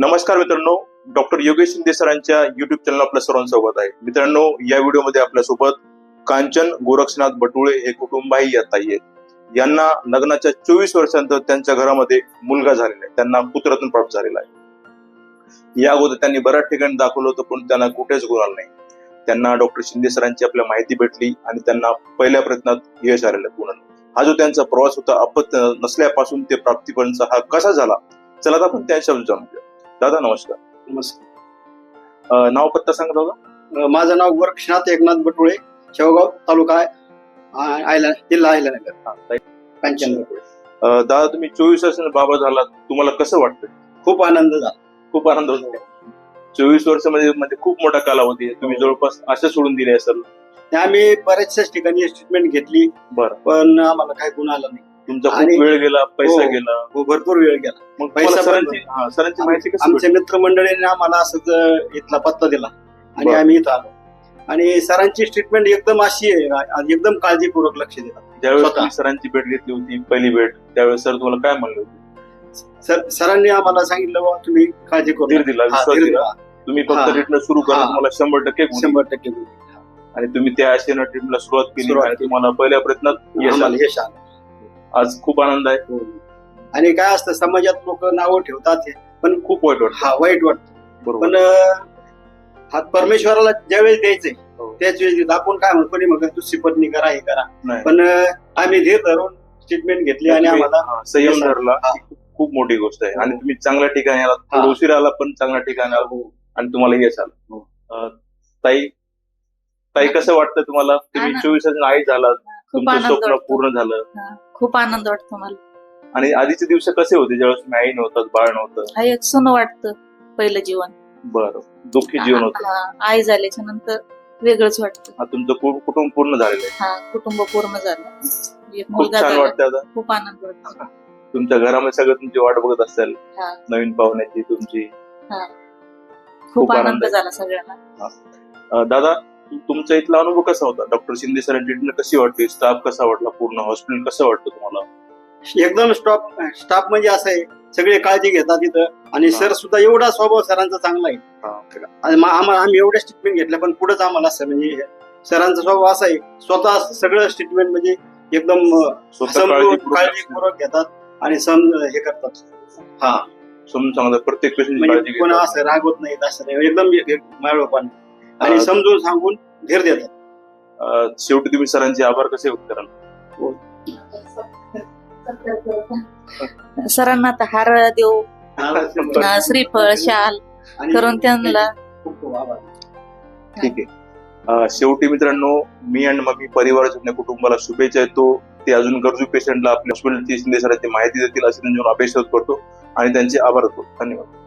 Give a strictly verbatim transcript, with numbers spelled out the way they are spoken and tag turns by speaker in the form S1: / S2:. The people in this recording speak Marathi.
S1: नमस्कार मित्रांनो, डॉक्टर योगेश शिंदे सरांच्या युट्यूब चॅनल आपल्या सर्वांचं स्वागत आहे. मित्रांनो, या व्हिडिओमध्ये आपल्यासोबत कांचन गोरक्षनाथ बटुळे हे कुटुंबही येत आहेत. यांना लग्नाच्या चोवीस वर्षांनंतर त्यांच्या घरामध्ये मुलगा झालेला आहे, त्यांना पुत्ररत्न प्राप्त झालेला आहे. या अगोदर त्यांनी बऱ्याच ठिकाणी दाखवलं होतं, पण त्यांना कुठेच गुण आला नाही. त्यांना डॉक्टर शिंदे सरांची आपल्या माहिती भेटली आणि त्यांना पहिल्या प्रयत्नात यश आलेलं पूर्ण. हा जो त्यांचा प्रवास होता, अपत्य नसल्यापासून ते प्राप्तीपर्यंत हा कसा झाला, चला आता आपण त्या शब्द जाणून घेऊ. दादा नमस्कार.
S2: नमस्कार.
S1: नाव पत्ता सांगा दादा.
S2: माझं नाव गोरक्षनाथ एकनाथ बटुळे, शेवगाव तालुका आयला जिल्हा अहिल्यानगर, कांचन बटुळे.
S1: दादा, तुम्ही चोवीस वर्षांचा बाबा झाला, तुम्हाला कसं वाटतं?
S2: खूप आनंद झाला.
S1: खूप आनंद होतो. चोवीस वर्ष म्हणजे म्हणजे खूप मोठा कालावधी आहे. तुम्ही जवळपास असं सोडून दिले असेल.
S2: आम्ही बऱ्याचशाच ठिकाणी ट्रीटमेंट घेतली,
S1: बरं,
S2: पण आम्हाला काही गुण आला नाही.
S1: तुमचा खूप वेळ गेला, पैसा
S2: हो,
S1: गेला.
S2: हो, भरपूर वेळ गेला.
S1: मग पैसा सरांची सरांची माहिती कशी?
S2: आमच्या मित्रमंडळीने आम्हाला असंच इथला पत्ता दिला आणि
S1: बरं.
S2: आम्ही इथं आलो आणि सरांची ट्रीटमेंट एकदम अशी आहे, एकदम काळजीपूर्वक लक्ष देतात.
S1: ज्यावेळेस
S2: स्वतः.
S1: तुम्ही सरांची भेट घेतली होती, पहिली भेट, त्यावेळेस सर तुम्हाला काय म्हणले होते?
S2: सर सरांनी आम्हाला सांगितलं, "बुवा, तुम्ही काळजी करू
S1: धीर
S2: नका."
S1: दिला,
S2: हा,
S1: विश्वास
S2: धीर
S1: दिला.
S2: दिला.
S1: तुम्ही फक्त
S2: हा.
S1: ट्रीटमेंट सुरू करा,
S2: हा.
S1: तुम्हाला शंभर टक्के गुण.
S2: शंभर टक्के गुण.
S1: आणि तुम्ही त्या आशेनं ट्रीटमेंटला सुरुवात केली
S2: सुरुवात
S1: आणि
S2: केली.
S1: तुम्हाला पहिल्या प्रयत्नात यश
S2: आम्हाला
S1: आलं.
S2: यश आलं.
S1: आज खूप आनंद आहे.
S2: आणि काय असतं, समाजात लोक नावं ठेवतात हे, पण
S1: खूप वाईट वाटतं.
S2: हा वाईट वाटतं.
S1: बरोबर.
S2: पण अं, हा परमेश्वराला ज्यावेळेस द्यायचंय
S1: हो.
S2: त्याच वेळेस देतो. आपण काय म्हणतो, कोणी म्हणतो दुसरी पत्नी करा, हे करा,
S1: नाही.
S2: पण अं, आम्ही धीर धरून ट्रीटमेंट घेतली आणि
S1: तुम्ही,
S2: आम्हाला
S1: हा, संयम धरला.
S2: हा.
S1: ही खूप मोठी गोष्ट आहे.
S2: हो.
S1: आणि तुम्ही चांगल्या ठिकाणी आलात,
S2: हा.
S1: थोडं उशीर आला पण चांगल्या ठिकाणी आला आणि तुम्हाला यश आलं.
S2: हो.
S1: अं, ताई ताई कसं वाटतं तुम्हाला? तुम्ही
S3: आनंद.
S1: चोवीस वर्षांनी आई झालात,
S3: खूप
S1: तुमचं
S3: आनंद
S1: स्वप्न
S3: वाटतो.
S1: पूर्ण झालं.
S3: हा, खूप आनंद वाटतो मला.
S1: आणि आधीचे दिवस कसे होते ज्यावेळेस तुम्ही आई नव्हतात, बाळ नव्हतं?
S3: हा एक सुन वाटतं पहिलं जीवन.
S1: बरं, दुःखी जीवन होतं.
S3: हा, आई झाल्याच्या नंतर वेगळंच वाटतं.
S1: हा, तुमचं कु- कुटुंब पूर्ण झालेलं आहे.
S3: हा, कुटुंब पूर्ण झालं, एक
S1: खूप
S3: मुलगा
S1: छान
S3: झाला.
S1: वाटतं आता.
S3: खूप आनंद वाटतो.
S1: तुमच्या घरामध्ये सगळं तुमची वाट बघत असेल,
S3: हा,
S1: नवीन पाहुण्याची तुमची.
S3: हा.
S1: खूप
S3: खूप
S1: आनंद
S3: आनंद
S1: आहे.
S3: झाला सगळ्यांना.
S1: अं, दादा, तु- तुमचा इथला अनुभव कसा होता? डॉक्टर शिंदे सरांची ट्रीटमेंट कशी वाटली? स्टाफ कसा वाटला? पूर्ण हॉस्पिटल कसं वाटतं तुम्हाला?
S2: एकदम स्टॉप स्टाफ म्हणजे असं आहे, सगळे काळजी घेतात तिथं. आणि
S1: हा.
S2: सर सुद्धा एवढा स्वभाव सरांचा चांगला आहे.
S1: हा.
S2: आणि मा- आम्हा- आम्ही एवढ्याच ट्रीटमेंट घेतल्या, पण पुढेच आम्हाला असं म्हणजे सरांचा स्वभाव असा आहे, स्वतः सगळं ट्रीटमेंट म्हणजे एकदम अं,
S1: स्वतः
S2: समजून
S1: काळजीपूर्वक
S2: काळजीपूर्वक घेतात आणि सम हे करतात. हा,
S1: समजून सांगतात, प्रत्येक पेशंटची
S2: म्हणजे
S1: काळजी
S2: कोणा
S1: घेतात.
S2: असं रागवत नाही, असं नाही, एकदम माळोपान आणि
S1: हा.
S2: समजून सांगून धीर देतात.
S1: अं, शेवटी तुम्ही सरांचे आभार कसे व्यक्त कराल?
S3: सरांना आता हार देऊ,
S1: बरं.
S3: अं, श्रीफळ शाल
S2: आणि
S3: करून त्यांना
S2: खूप खूप आभार.
S1: ठीक आहे. अं, शेवटी मित्रांनो, मी आणि मम्मी परिवाराच्या कुटुंबाला शुभेच्छा देतो. ते अजून गरजू पेशंटला आपल्या हॉस्पिटलची शिंदे सरांची माहिती देतील अशी त्यांच्यावर अपेक्षा करतो आणि त्यांचे आभार करतो. धन्यवाद.